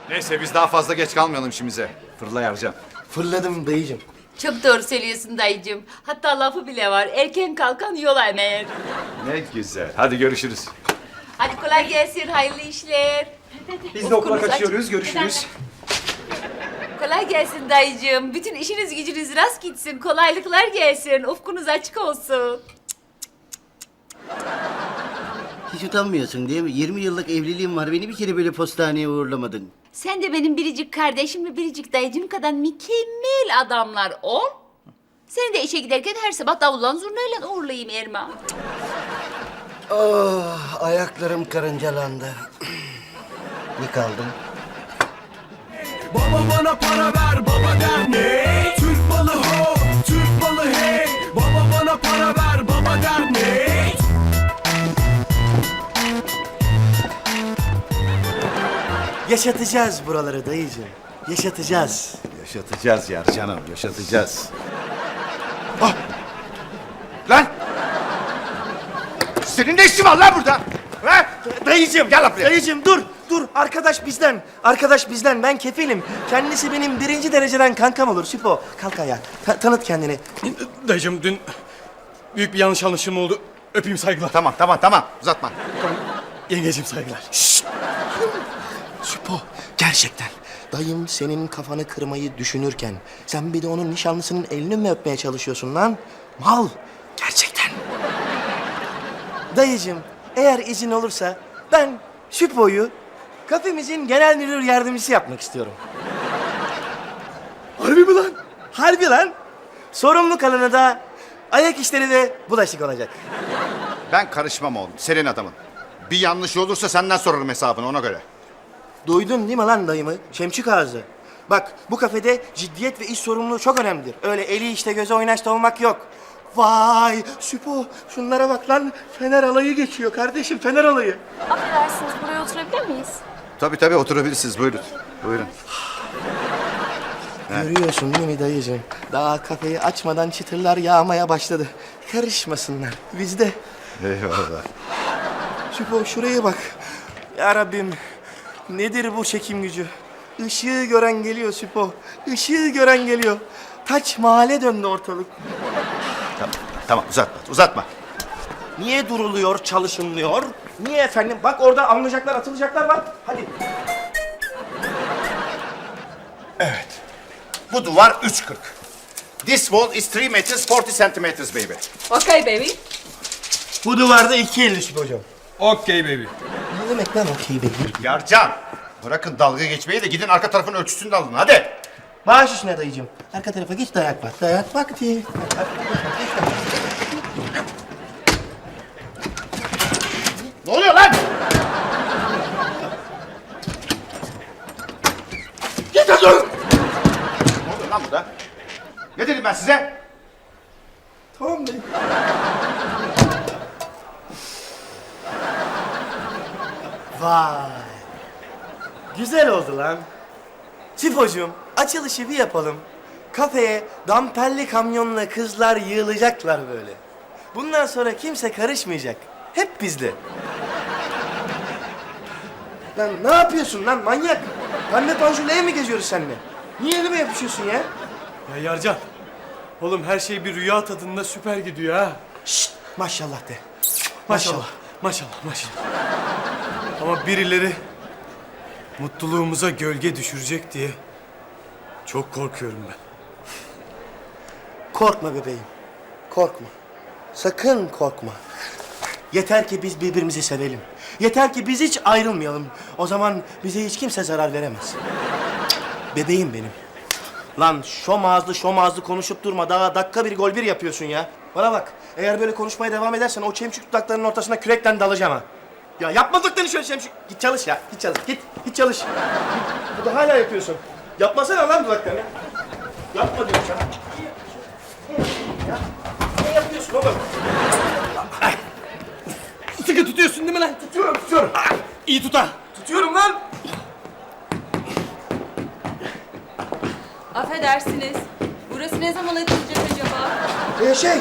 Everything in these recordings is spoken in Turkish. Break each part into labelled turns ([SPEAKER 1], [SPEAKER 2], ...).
[SPEAKER 1] Neyse biz daha fazla geç kalmayalım işimize. Fırla Ercan.
[SPEAKER 2] Fırladım dayıcım.
[SPEAKER 3] Çok doğru söylüyorsun dayıcığım. Hatta lafı bile var. Erken kalkan yola emer.
[SPEAKER 1] Ne güzel. Hadi görüşürüz.
[SPEAKER 3] Hadi kolay gelsin, hayırlı işler.
[SPEAKER 2] Biz de okula
[SPEAKER 3] Ufkunuz
[SPEAKER 2] kaçıyoruz.
[SPEAKER 3] açık.
[SPEAKER 2] Görüşürüz.
[SPEAKER 3] Kolay gelsin dayıcığım. Bütün işiniz gücünüz rast gitsin. Kolaylıklar gelsin. Ufkunuz açık olsun.
[SPEAKER 4] Hiç utanmıyorsun değil mi? 20 yıllık evliliğim var. Beni bir kere böyle postaneye uğurlamadın.
[SPEAKER 3] Sen de benim biricik kardeşim ve biricik dayıcım kadar mükemmel adamlar ol. Seni de işe giderken her sabah davullan zurnayla uğurlayayım Erman.
[SPEAKER 4] Oh, ayaklarım karıncalandı. Yıkaldım.
[SPEAKER 5] Baba bana para ver, baba der ne? Türk malı ho, Türk malı hey. Baba bana para ver, baba der ne?
[SPEAKER 2] Yaşatacağız buraları dayıcım. Yaşatacağız.
[SPEAKER 1] Yaşatacağız Yarcan'ım, yaşatacağız. Ah! Lan! Senin ne işin var lan burada? Ha?
[SPEAKER 2] Dayıcım,
[SPEAKER 1] Gel lan buraya.
[SPEAKER 2] dayıcım dur, dur. Arkadaş bizden, arkadaş bizden. Ben kefilim. Kendisi benim 1. dereceden kankam olur. Süpo, kalk ayağa. Tanıt kendini.
[SPEAKER 6] Dayıcım dün büyük bir yanlış anlaşılma oldu. Öpeyim saygılar.
[SPEAKER 1] Tamam, uzatma.
[SPEAKER 6] Yengeciğim saygılar.
[SPEAKER 2] Süpo, gerçekten. Dayım senin kafanı kırmayı düşünürken sen bir de onun nişanlısının elini mi öpmeye çalışıyorsun lan? Mal, gerçekten. Dayıcım, eğer izin olursa ben Süpo'yu kafemizin genel müdür yardımcısı yapmak istiyorum. Harbi mi lan? Harbi lan. Sorumlu kalanı da ayak işleri ve bulaşık olacak.
[SPEAKER 1] Ben karışmam oğlum, senin adamın. Bir yanlış olursa senden sorarım hesabını ona göre.
[SPEAKER 2] Duydun değil mi lan dayımı? Şemçik ağzı. Bak bu kafede ciddiyet ve iş sorumluluğu çok önemlidir. Öyle eli işte göze oynaşta olmak yok. Vay Süpo şunlara bak lan. Fener alayı geçiyor kardeşim Fener alayı.
[SPEAKER 7] Affedersiniz, buraya oturabilir miyiz?
[SPEAKER 1] Tabii oturabilirsiniz, buyurun. Buyurun.
[SPEAKER 2] Görüyorsun değil mi dayıcığım? Daha kafeyi açmadan çıtırlar yağmaya başladı. Karışmasınlar bizde.
[SPEAKER 1] Eyvallah.
[SPEAKER 2] Süpo şuraya bak. Ya Rabbim nedir bu çekim gücü? Işığı gören geliyor Süpo. Işığı gören geliyor. Taç mahalle döndü ortalık.
[SPEAKER 1] Tamam, uzatma.
[SPEAKER 2] Niye duruluyor, çalışılmıyor? Niye efendim? Bak orada alınacaklar, atılacaklar var. Hadi.
[SPEAKER 1] Bu duvar 3.40. This wall is 3 meters 40 centimeters baby.
[SPEAKER 3] Okay baby.
[SPEAKER 2] Bu duvarda 2.50 Süpo hocam.
[SPEAKER 6] Okey baby.
[SPEAKER 2] Ne demek lan okey baby?
[SPEAKER 1] Yarcan, bırakın dalga geçmeyi de gidin arka tarafın ölçüsünü de alın hadi.
[SPEAKER 2] Bağış üstüne dayıcığım. Arka tarafa geç dayak bak. Dayak vakti.
[SPEAKER 1] Ne oluyor lan?
[SPEAKER 2] Git hadi.
[SPEAKER 1] Ne oluyor lan burada? Ne dedim ben size?
[SPEAKER 2] Tamam dayı. Vay. Güzel oldu lan. Süpocuğum açılışı bir yapalım. Kafeye damperli kamyonla kızlar yığılacaklar böyle. Bundan sonra kimse karışmayacak. Hep bizde. Lan ne yapıyorsun lan manyak? Pembe panjurla ev mi geziyoruz seninle? Niye elime yapışıyorsun ya?
[SPEAKER 6] Ya Yarcan. Oğlum her şey bir rüya tadında süper gidiyor ha.
[SPEAKER 2] Şşt maşallah de.
[SPEAKER 6] Maşallah. Maşallah. Ama birileri mutluluğumuza gölge düşürecek diye çok korkuyorum ben.
[SPEAKER 2] Korkma bebeğim. Korkma. Sakın korkma. Yeter ki biz birbirimizi sevelim. Yeter ki biz hiç ayrılmayalım. O zaman bize hiç kimse zarar veremez. Bebeğim benim. Lan şom ağızlı konuşup durma. Daha dakika bir gol bir yapıyorsun ya. Bana bak. Eğer böyle konuşmaya devam edersen o çemçük dudaklarının ortasına kürekle dalacağım ha. Ya yapmadıklarını şöyle çemçük. Git çalış ya. Git çalış. Git çalış. Git. Bu da hala yapıyorsun. Yapmasana lan dudaklarını. Yapma diyorum sana. Ya. Ne yapıyorsun oğlum?
[SPEAKER 6] Sıkı tutuyorsun değil mi lan?
[SPEAKER 2] Tutuyorum.
[SPEAKER 6] İyi tut ha.
[SPEAKER 2] Tutuyorum lan.
[SPEAKER 3] Affedersiniz. Burası ne zaman açılacak acaba?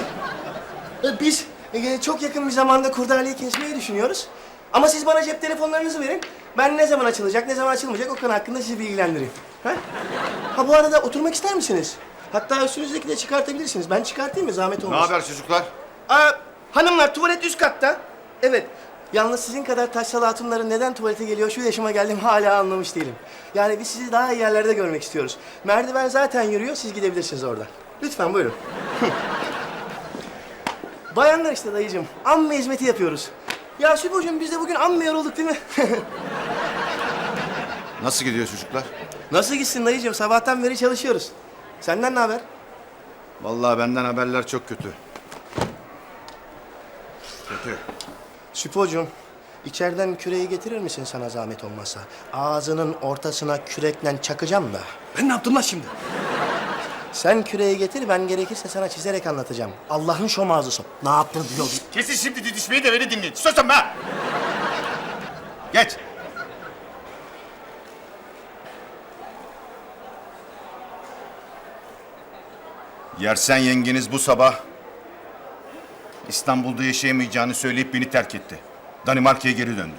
[SPEAKER 2] Biz çok yakın bir zamanda kurdaleyi kesmeyi düşünüyoruz. Ama siz bana cep telefonlarınızı verin. Ben ne zaman açılacak, ne zaman açılmayacak o konu hakkında sizi bilgilendireyim. Ha bu arada oturmak ister misiniz? Hatta üstünüzdeki de çıkartabilirsiniz. Ben çıkartayım mı? Zahmet
[SPEAKER 1] Ne
[SPEAKER 2] olmasın.
[SPEAKER 1] haber çocuklar?
[SPEAKER 2] Hanımlar tuvalet üst katta. Evet. Yalnız sizin kadar taşralı hatunların neden tuvalete geliyor şu yaşıma geldim hala anlamış değilim. Yani biz sizi daha iyi yerlerde görmek istiyoruz. Merdiven zaten yürüyor, siz gidebilirsiniz oradan. Lütfen buyurun. Bayanlar işte dayıcığım, amme hizmeti yapıyoruz. Ya Sübocuğum biz de bugün amme yorulduk değil mi?
[SPEAKER 1] Nasıl gidiyor çocuklar?
[SPEAKER 2] Nasıl gitsin dayıcığım, sabahtan beri çalışıyoruz. Senden ne haber?
[SPEAKER 1] Vallahi benden haberler çok kötü. Kötü.
[SPEAKER 2] Süpocuğum, içeriden küreği getirir misin sana zahmet olmazsa? Ağzının ortasına kürekle çakacağım da.
[SPEAKER 6] Ben ne yaptım lan şimdi?
[SPEAKER 2] Sen küreği getir, ben gerekirse sana çizerek anlatacağım. Allah'ın şom ağzısı. Ne yaptın diyor.
[SPEAKER 1] Kesin şimdi didişmeyi de beni dinleyin. Susun be! Geç. Yersen yengeniz bu sabah İstanbul'da yaşayamayacağını söyleyip beni terk etti. Danimarka'ya geri döndü.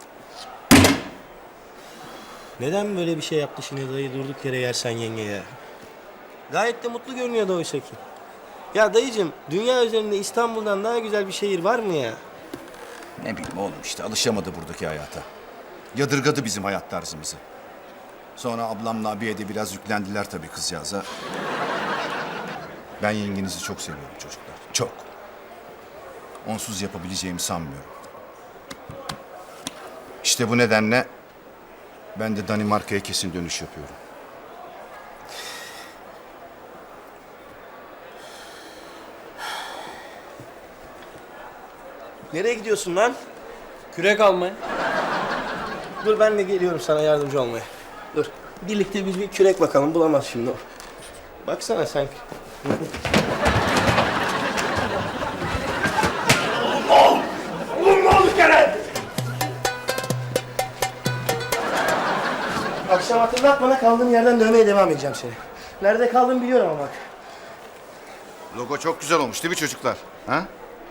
[SPEAKER 2] Neden böyle bir şey yaptı şimdi dayı durduk yere yersen yengeye? Gayet de mutlu görünüyordu oysa ki. Ya dayıcığım, dünya üzerinde İstanbul'dan daha güzel bir şehir var mı ya?
[SPEAKER 1] Ne bileyim oğlum işte alışamadı buradaki hayata. Yadırgadı bizim hayat tarzımızı. Sonra ablamla abiye de biraz yüklendiler tabii kızcağıza. Ben yengenizi çok seviyorum çocuklar. Çok. Onsuz yapabileceğimi sanmıyorum. İşte bu nedenle ben de Danimarka'ya kesin dönüş yapıyorum.
[SPEAKER 2] Nereye gidiyorsun lan?
[SPEAKER 6] Kürek almaya.
[SPEAKER 2] Dur ben de geliyorum sana yardımcı olmaya. Dur. Birlikte biz bir kürek bakalım. Bulamaz şimdi o. Baksana sen. Oğlum ne oldu kere? Akşam hatırlat bana, kaldığım yerden dövmeye devam edeceğim seni. Nerede kaldığımı biliyorum ama bak.
[SPEAKER 1] Logo çok güzel olmuş değil mi çocuklar? Ha?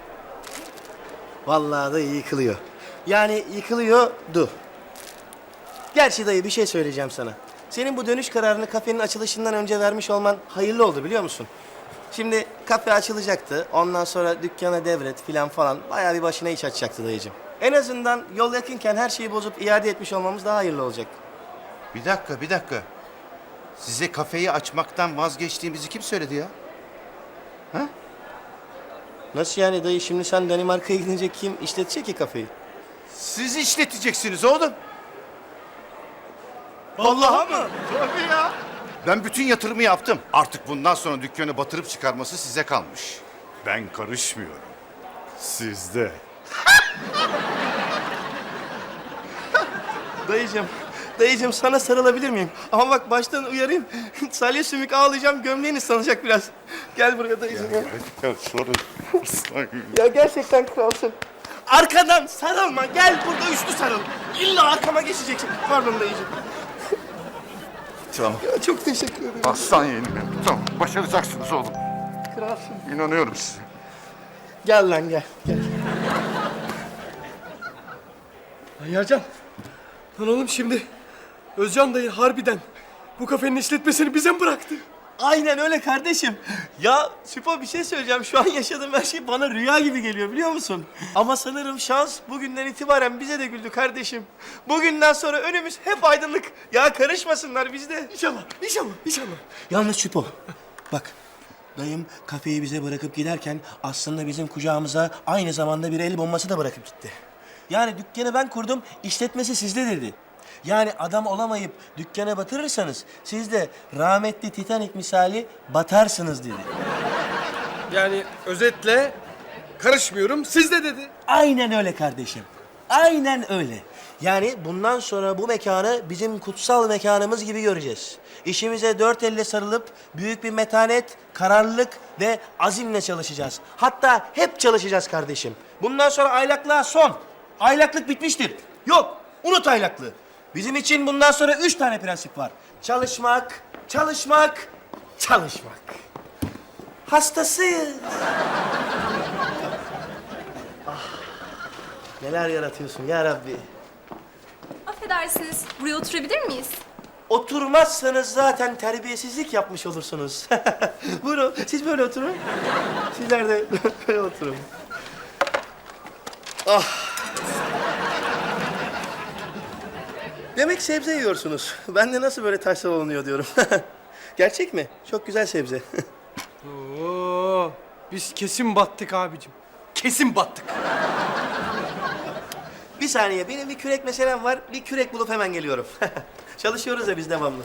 [SPEAKER 2] Vallahi da yıkılıyor. Yani yıkılıyordu. Gerçi dayı bir şey söyleyeceğim sana. Senin bu dönüş kararını kafenin açılışından önce vermiş olman hayırlı oldu biliyor musun? Şimdi kafe açılacaktı. Ondan sonra dükkana devret filan falan. Bayağı bir başına iş açacaktı dayıcığım. En azından yol yakınken her şeyi bozup iade etmiş olmamız daha hayırlı olacak.
[SPEAKER 1] Bir dakika. Size kafeyi açmaktan vazgeçtiğimizi kim söyledi ya?
[SPEAKER 2] Nasıl yani dayı? Şimdi sen Danimarka'ya gidince kim işletecek ki kafeyi?
[SPEAKER 1] Siz işleteceksiniz oğlum.
[SPEAKER 2] Vallahi mı?
[SPEAKER 1] Tabii ya. Ben bütün yatırımı yaptım. Artık bundan sonra dükkanı batırıp çıkarması size kalmış. Ben karışmıyorum. Sizde.
[SPEAKER 2] Dayıcığım sana sarılabilir miyim? Ama bak baştan uyarayım. Salya sümük ağlayacağım, gömleğin ıslanacak biraz. Gel buraya dayıcığım ya. Ya gerçekten kralsın. Arkadan sarılma, gel burada üçlü sarıl. İlla arkama geçeceksin. Pardon dayıcığım.
[SPEAKER 1] Tamam.
[SPEAKER 2] Ya çok teşekkür ederim.
[SPEAKER 1] Aslan yeğenim benim. Tamam. Başaracaksınız oğlum.
[SPEAKER 2] Kralsın.
[SPEAKER 1] İnanıyorum size.
[SPEAKER 2] Gel lan gel.
[SPEAKER 6] Lan Yercan. Lan oğlum şimdi Özcan dayı harbiden bu kafenin işletmesini bize mi bıraktı?
[SPEAKER 2] Aynen öyle kardeşim. Ya Süpo bir şey söyleyeceğim. Şu an yaşadığım her şey bana rüya gibi geliyor biliyor musun? Ama sanırım şans bugünden itibaren bize de güldü kardeşim. Bugünden sonra önümüz hep aydınlık. Ya karışmasınlar bizde.
[SPEAKER 6] İnşallah.
[SPEAKER 2] Yalnız Süpo bak. Dayım kafeyi bize bırakıp giderken aslında bizim kucağımıza aynı zamanda bir el bombası da bırakıp gitti. Yani dükkanı ben kurdum, işletmesi sizde dedi. Yani adam olamayıp dükkanı batırırsanız siz de rahmetli Titanic misali batarsınız dedi.
[SPEAKER 6] Yani özetle karışmıyorum siz de dedi.
[SPEAKER 2] Aynen öyle kardeşim. Aynen öyle. Yani bundan sonra bu mekanı bizim kutsal mekanımız gibi göreceğiz. İşimize dört elle sarılıp büyük bir metanet, kararlılık ve azimle çalışacağız. Hatta hep çalışacağız kardeşim. Bundan sonra aylaklığa son. Aylaklık bitmiştir. Yok, unut aylaklığı. Bizim için bundan sonra 3 tane prensip var. Çalışmak, çalışmak, çalışmak. Hastasıyız. Neler yaratıyorsun ya Rabbi.
[SPEAKER 7] Affedersiniz, buraya oturabilir miyiz?
[SPEAKER 2] Oturmazsanız zaten terbiyesizlik yapmış olursunuz. Buyurun, siz böyle oturun. Sizler de böyle oturun. Ah. Demek sebze yiyorsunuz. Ben de nasıl böyle taş olunuyor diyorum. Gerçek mi? Çok güzel sebze.
[SPEAKER 6] Oo, biz kesin battık abicim. Kesin battık.
[SPEAKER 2] Bir saniye, benim bir kürek meselem var. Bir kürek bulup hemen geliyorum. Çalışıyoruz ya biz devamlı.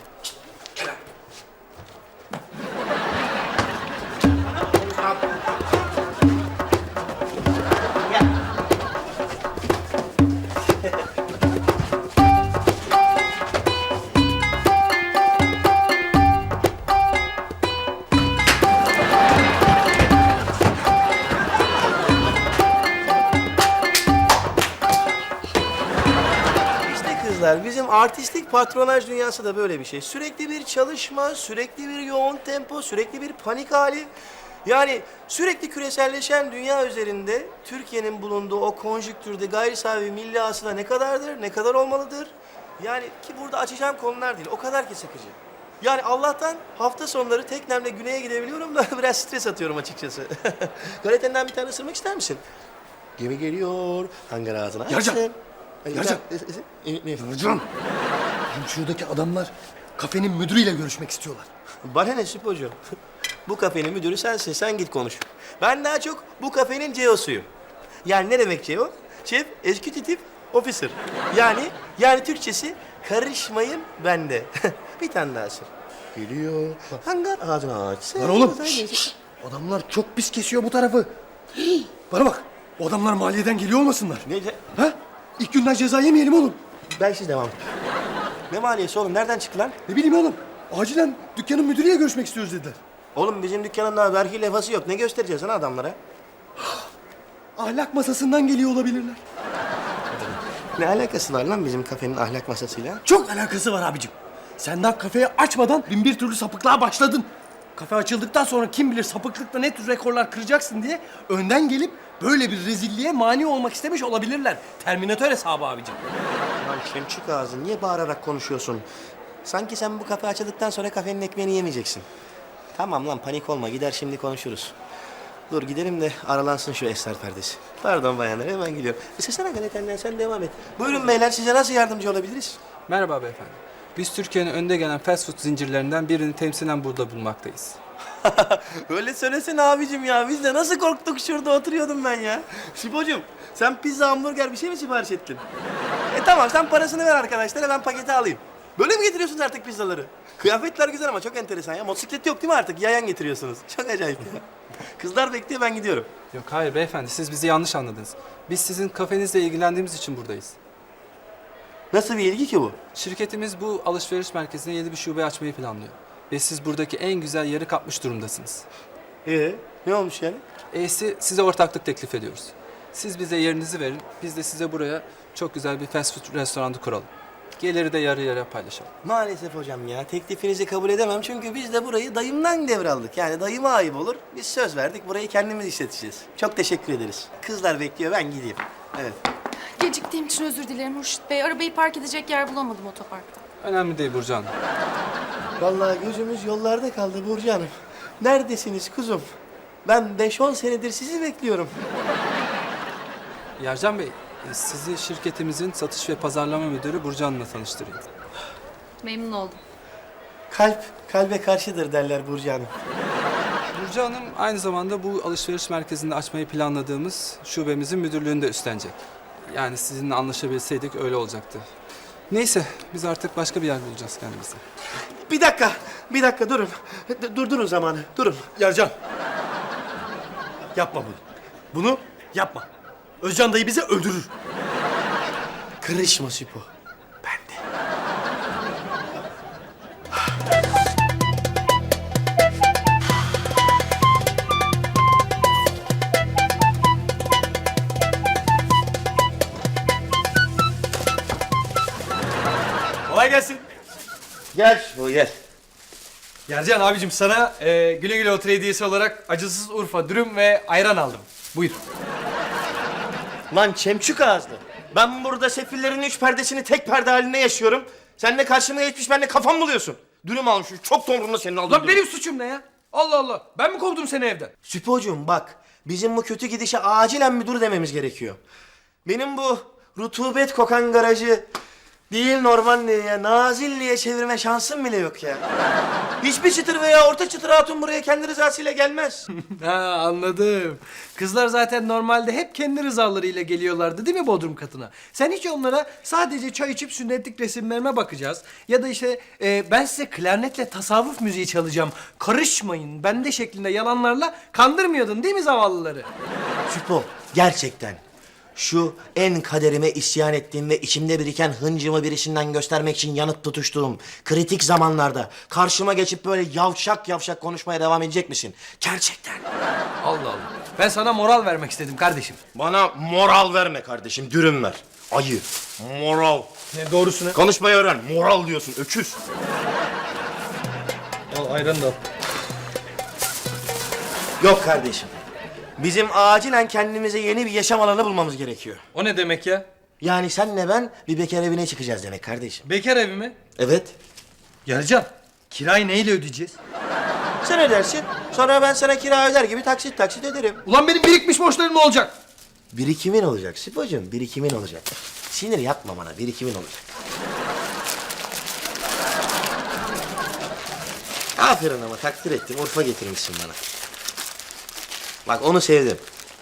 [SPEAKER 2] İşte kızlar, bizim artistik patronaj dünyası da böyle bir şey. Sürekli bir çalışma, sürekli bir yoğun tempo, sürekli bir panik hali. Yani sürekli küreselleşen dünya üzerinde Türkiye'nin bulunduğu o konjüktürde gayri safi milli hasıla ne kadardır, ne kadar olmalıdır? Yani ki burada açacağım konular değil, o kadar ki sıkıcı. Yani Allah'tan hafta sonları teknemle güneye gidebiliyorum da biraz stres atıyorum açıkçası. Galetenden bir tane ısırmak ister misin? Gemi geliyor, hangar ağzına
[SPEAKER 6] Yarcan!
[SPEAKER 2] açsın.
[SPEAKER 6] Yarcan!
[SPEAKER 2] Ne?
[SPEAKER 6] Hocam, şuradaki adamlar kafenin müdürüyle görüşmek istiyorlar.
[SPEAKER 2] Bana ne Süpocuğum? Bu kafenin müdürü sensin, sen git konuş. Ben daha çok bu kafenin CEO'suyum. Yani ne demek CEO? Chief Executive Officer. Yani Türkçesi karışmayın bende. Bir tane daha sır. Geliyor. Hangar ağzını açsın.
[SPEAKER 6] Lan oğlum, şşş! Adamlar çok pis kesiyor bu tarafı. Bana bak, o adamlar maliyeden geliyor olmasınlar.
[SPEAKER 2] Ne?
[SPEAKER 6] Ha? İlk günden ceza yemeyelim oğlum.
[SPEAKER 2] Ben siz devam. Ne maliyesi oğlum? Nereden çıktı lan?
[SPEAKER 6] Ne bileyim oğlum, acilen dükkanın müdürüyle görüşmek istiyoruz dediler.
[SPEAKER 2] Oğlum bizim dükkanın daha vergi levhası yok. Ne göstereceğiz lan adamlara?
[SPEAKER 6] Ahlak masasından geliyor olabilirler.
[SPEAKER 2] Ne alakası var lan bizim kafenin ahlak masasıyla?
[SPEAKER 6] Çok alakası var abicim. Sen daha kafeyi açmadan bin bir türlü sapıklığa başladın. Kafe açıldıktan sonra kim bilir sapıklıkta ne tür rekorlar kıracaksın diye önden gelip böyle bir rezilliğe mani olmak istemiş olabilirler. Terminatör hesabı abicim.
[SPEAKER 2] Lan kemçük ağzı, niye bağırarak konuşuyorsun? Sanki sen bu kafe açıldıktan sonra kafenin ekmeğini yemeyeceksin. Tamam lan, panik olma, gider şimdi konuşuruz. Dur gidelim de aralansın şu esrar perdesi. Pardon bayanlar, hemen gidiyorum. İstesene galetenden, sen devam et. Buyurun beyler, size nasıl yardımcı olabiliriz?
[SPEAKER 8] Merhaba beyefendi. Biz Türkiye'nin önde gelen fast food zincirlerinden birini temsilen burada bulunmaktayız.
[SPEAKER 2] Öyle söylesene abicim ya, biz de nasıl korktuk, şurada oturuyordum ben ya. Şipocuğum, sen pizza, hamburger bir şey mi sipariş ettin? Tamam, sen parasını ver arkadaşlara, ben paketi alayım. Böyle mi getiriyorsunuz artık pizzaları? Kıyafetler güzel ama çok enteresan ya. Motosiklet yok değil mi artık? Yayan getiriyorsunuz. Çok acayip ya. Kızlar bekliyor, ben gidiyorum.
[SPEAKER 8] Yok hayır beyefendi, siz bizi yanlış anladınız. Biz sizin kafenizle ilgilendiğimiz için buradayız.
[SPEAKER 2] Nasıl bir ilgi ki bu?
[SPEAKER 8] Şirketimiz bu alışveriş merkezine yeni bir şube açmayı planlıyor. Ve siz buradaki en güzel yeri kapmış durumdasınız.
[SPEAKER 2] Ne olmuş yani?
[SPEAKER 8] Size ortaklık teklif ediyoruz. Siz bize yerinizi verin, biz de size buraya çok güzel bir fast food restoranı kuralım. Geliri de yarı yarıya paylaşalım.
[SPEAKER 2] Maalesef hocam ya, teklifinizi kabul edemem çünkü biz de burayı dayımdan devraldık. Yani dayıma ayıp olur. Biz söz verdik, burayı kendimiz işleteceğiz. Çok teşekkür ederiz. Kızlar bekliyor, ben gideyim. Evet.
[SPEAKER 7] Geciktiğim için özür dilerim Hurşit Bey. Arabayı park edecek yer bulamadım otoparkta.
[SPEAKER 8] Önemli değil Burcu Hanım.
[SPEAKER 2] Vallahi gözümüz yollarda kaldı Burcu Hanım. Neredesiniz kuzum? Ben 5-10 senedir sizi bekliyorum.
[SPEAKER 8] Yercan Bey, sizi şirketimizin satış ve pazarlama müdürü Burcu Hanım'la tanıştırayım.
[SPEAKER 3] Memnun oldum.
[SPEAKER 2] Kalp, kalbe karşıdır derler Burcu Hanım.
[SPEAKER 8] Burcu Hanım aynı zamanda bu alışveriş merkezinde açmayı planladığımız şubemizin müdürlüğünü de üstlenecek. Yani sizinle anlaşabilseydik öyle olacaktı. Neyse, biz artık başka bir yer bulacağız kendimize.
[SPEAKER 2] Bir dakika durun. Durdurun zamanı, durun.
[SPEAKER 6] Yarcan. Yapma bunu. Bunu yapma. Özcan dayı bizi öldürür.
[SPEAKER 2] Kırışma Sipo.
[SPEAKER 6] Kolay gelsin.
[SPEAKER 2] Gel Sipo, gel.
[SPEAKER 6] Yercan abicim sana güle güle otur hediyesi olarak acısız Urfa dürüm ve ayran aldım. Buyur.
[SPEAKER 2] Lan çemçük ağızlı. Ben burada sefillerin 3 perdesini tek perde halinde yaşıyorum. Sen de karşıma geçmiş benimle kafam buluyorsun. Dürüm almışım. Çok tonrumda senin aldığın
[SPEAKER 6] Lan
[SPEAKER 2] dürüm.
[SPEAKER 6] benim suçum ne ya? Allah Allah. Ben mi kovdum seni evden?
[SPEAKER 2] Süpocuğum bak, bizim bu kötü gidişe acilen bir dur dememiz gerekiyor. Benim bu rutubet kokan garajı değil Normandiye'ye, Nazilli'ye çevirme şansım bile yok ya. Hiçbir çıtır veya orta çıtır hatun buraya kendi rızasıyla gelmez.
[SPEAKER 6] Ha, anladım. Kızlar zaten normalde hep kendi rızalarıyla geliyorlardı değil mi Bodrum katına? Sen hiç onlara sadece çay içip sünnetlik resimlerime bakacağız. Ya da işte ben size klarnetle tasavvuf müziği çalacağım. Karışmayın bende şeklinde yalanlarla kandırmıyordun değil mi zavallıları?
[SPEAKER 2] Süpo, gerçekten şu en kaderime isyan ettiğim ve içimde biriken hıncımı birisinden göstermek için yanıt tutuştuğum kritik zamanlarda karşıma geçip böyle yavşak yavşak konuşmaya devam edecek misin? Gerçekten.
[SPEAKER 6] Allah Allah. Ben sana moral vermek istedim kardeşim.
[SPEAKER 2] Bana moral verme kardeşim, dürüm ver. Ayı, moral.
[SPEAKER 6] Ne doğrusu ne?
[SPEAKER 2] Konuşmayı öğren, moral diyorsun, öküz.
[SPEAKER 6] Al ayran da al.
[SPEAKER 2] Yok kardeşim. Bizim acilen kendimize yeni bir yaşam alanı bulmamız gerekiyor.
[SPEAKER 6] O ne demek ya?
[SPEAKER 2] Yani senle ben bir bekar evine çıkacağız demek kardeşim.
[SPEAKER 6] Bekar evi mi?
[SPEAKER 2] Evet.
[SPEAKER 6] Yarcan, kirayı neyle ödeyeceğiz?
[SPEAKER 2] Sen ödersin. Sonra ben sana kira öder gibi taksit taksit öderim.
[SPEAKER 6] Ulan benim birikmiş borçlarım ne olacak?
[SPEAKER 2] Birikimin olacak Sipocuğum, birikimin olacak. Sinir yapma bana, birikimin olacak. Aferin ama takdir ettim, Urfa getirmişsin bana. Bak onu sevdim.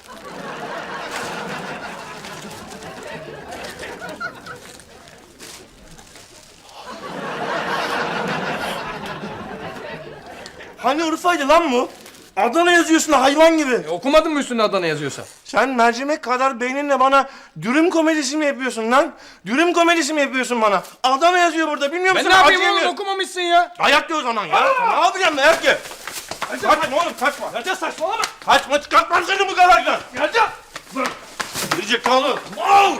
[SPEAKER 2] Hani Urfa'ydı lan bu? Adana yazıyorsun hayvan gibi.
[SPEAKER 6] Okumadın mı üstünde Adana yazıyorsa?
[SPEAKER 2] Sen mercimek kadar beyninle bana dürüm komedisi mi yapıyorsun lan? Dürüm komedisi mi yapıyorsun bana? Adana yazıyor burada, bilmiyor musun?
[SPEAKER 6] Ben ne yapayım
[SPEAKER 2] Acı
[SPEAKER 6] oğlum,
[SPEAKER 2] yemiyor.
[SPEAKER 6] okumamışsın ya.
[SPEAKER 2] Dayak yiyor o zaman ya. Ne yapacağım dayak ye? Kaçma oğlum, kaçma.
[SPEAKER 6] Yarcan saçmalama.
[SPEAKER 2] Kaçma, çıkartmam seni bu garajdan.
[SPEAKER 6] Yarcan.
[SPEAKER 2] Girecek kaldı. Al!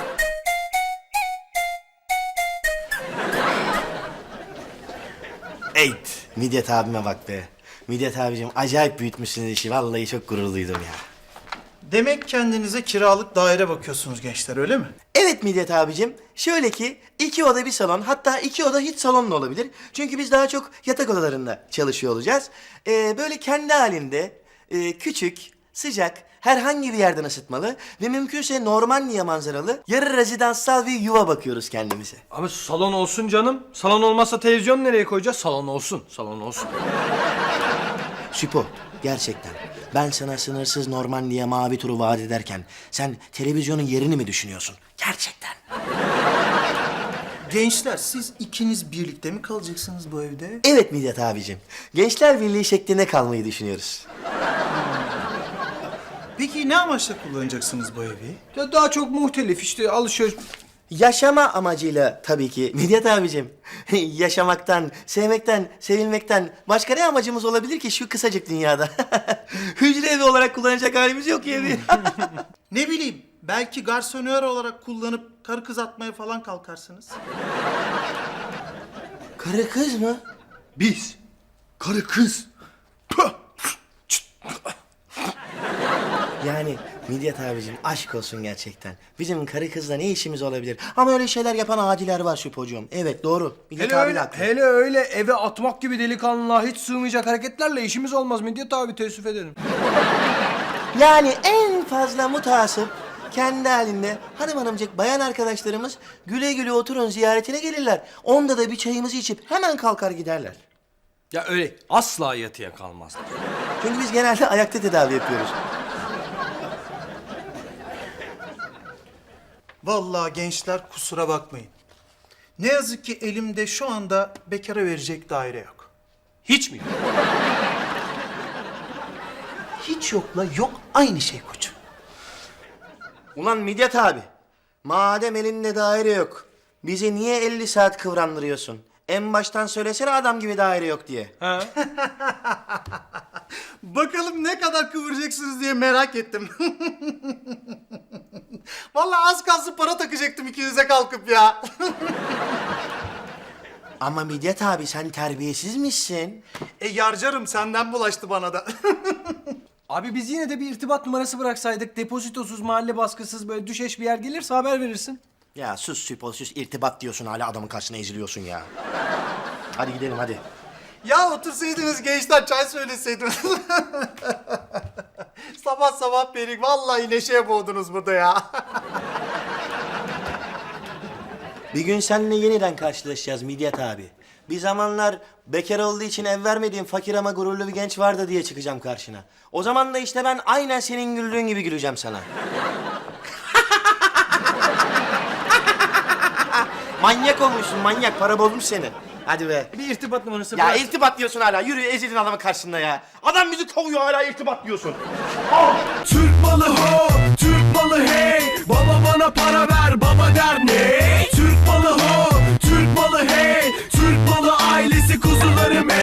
[SPEAKER 2] Eyt, Midyat abime bak be. Midyat abicim acayip büyütmüşsünüz işi. Vallahi çok gurur duydum ya.
[SPEAKER 9] Demek kendinize kiralık daire bakıyorsunuz gençler, öyle mi?
[SPEAKER 2] Evet Midyat abicim. Şöyle ki 2 oda bir salon, hatta 2 oda hiç salon da olabilir. Çünkü biz daha çok yatak odalarında çalışıyor olacağız. Böyle kendi halinde küçük, sıcak, herhangi bir yerden ısıtmalı ve mümkünse Normandiya manzaralı yarı rezidanssal bir yuva bakıyoruz kendimize.
[SPEAKER 6] Abi salon olsun canım. Salon olmazsa televizyon nereye koyacağız? Salon olsun. Salon olsun.
[SPEAKER 2] Süpo, gerçekten ben sana sınırsız Normandiya mavi turu vaat ederken sen televizyonun yerini mi düşünüyorsun? Gerçekten.
[SPEAKER 9] Gençler, siz ikiniz birlikte mi kalacaksınız bu evde?
[SPEAKER 2] Evet Midyat abicim. Gençler Birliği şeklinde kalmayı düşünüyoruz.
[SPEAKER 9] Peki ne amaçla kullanacaksınız bu evi?
[SPEAKER 6] Ya daha çok muhtelif işte alışveriş.
[SPEAKER 2] Yaşama amacıyla tabii ki Midyat abicim. Yaşamaktan, sevmekten, sevilmekten başka ne amacımız olabilir ki şu kısacık dünyada? Hücre evi olarak kullanacak halimiz yok ya evi.
[SPEAKER 9] Ne bileyim, belki garsonör olarak kullanıp karı kız atmaya falan kalkarsınız.
[SPEAKER 2] Karı kız mı?
[SPEAKER 6] Biz. Karı kız. Püh!
[SPEAKER 2] Yani Midyat abicim aşk olsun gerçekten. Bizim karı kızla ne işimiz olabilir? Ama öyle şeyler yapan adiler var Süpocuğum. Evet doğru. Midyat
[SPEAKER 6] Hele
[SPEAKER 2] abi
[SPEAKER 6] öyle,
[SPEAKER 2] haklı.
[SPEAKER 6] hele öyle eve atmak gibi delikanlılığa hiç sığmayacak hareketlerle işimiz olmaz Midyat abi, teessüf ederim.
[SPEAKER 2] Yani en fazla mutasip kendi halinde hanımcık bayan arkadaşlarımız güle güle oturun ziyaretine gelirler. Onda da bir çayımızı içip hemen kalkar giderler.
[SPEAKER 6] Ya öyle asla yatıya kalmaz.
[SPEAKER 2] Çünkü biz genelde ayakta tedavi yapıyoruz.
[SPEAKER 9] Vallahi gençler, kusura bakmayın. Ne yazık ki elimde şu anda bekara verecek daire yok.
[SPEAKER 6] Hiç mi?
[SPEAKER 9] Hiç yokla yok aynı şey koçum.
[SPEAKER 2] Ulan Midyat abi, madem elinde daire yok, bizi niye 50 saat kıvrandırıyorsun? En baştan söylesene adam gibi daire yok diye.
[SPEAKER 6] Ha?
[SPEAKER 9] Bakalım ne kadar kıvıracaksınız diye merak ettim. Vallahi az kalsın para takacaktım ikinize kalkıp ya.
[SPEAKER 2] Ama Midyat abi sen terbiyesiz misin?
[SPEAKER 9] Yarcarım, senden bulaştı bana da.
[SPEAKER 6] Abi biz yine de bir irtibat numarası bıraksaydık, depozitosuz, mahalle baskısız, böyle düşeş bir yer gelirse haber verirsin.
[SPEAKER 2] Ya sus Süpo sus, irtibat diyorsun hala adamın karşısına eziliyorsun ya. Hadi gidelim hadi.
[SPEAKER 9] Ya otursaydınız gençler çay söyleseydiniz. Sabah sabah beni vallahi neşeye boğdunuz burada ya.
[SPEAKER 2] Bir gün seninle yeniden karşılaşacağız Midyat abi. Bir zamanlar bekar olduğu için ev vermediğim fakir ama gururlu bir genç vardı diye çıkacağım karşına. O zaman da işte ben aynen senin güldüğün gibi güleceğim sana. Manyak olmuşsun manyak, para bozmuş seni. Hadi be.
[SPEAKER 6] Bir irtibat numarası
[SPEAKER 2] Ya
[SPEAKER 6] bırak.
[SPEAKER 2] irtibat diyorsun hala, yürü ezilin adamın karşısında ya. Adam bizi kovuyor hala irtibat diyorsun.
[SPEAKER 5] Türk malı ho, Türk malı hey. Baba bana para ver, baba der ne? Türk malı ho, Türk malı hey. Türk malı ailesi kuzularım hey.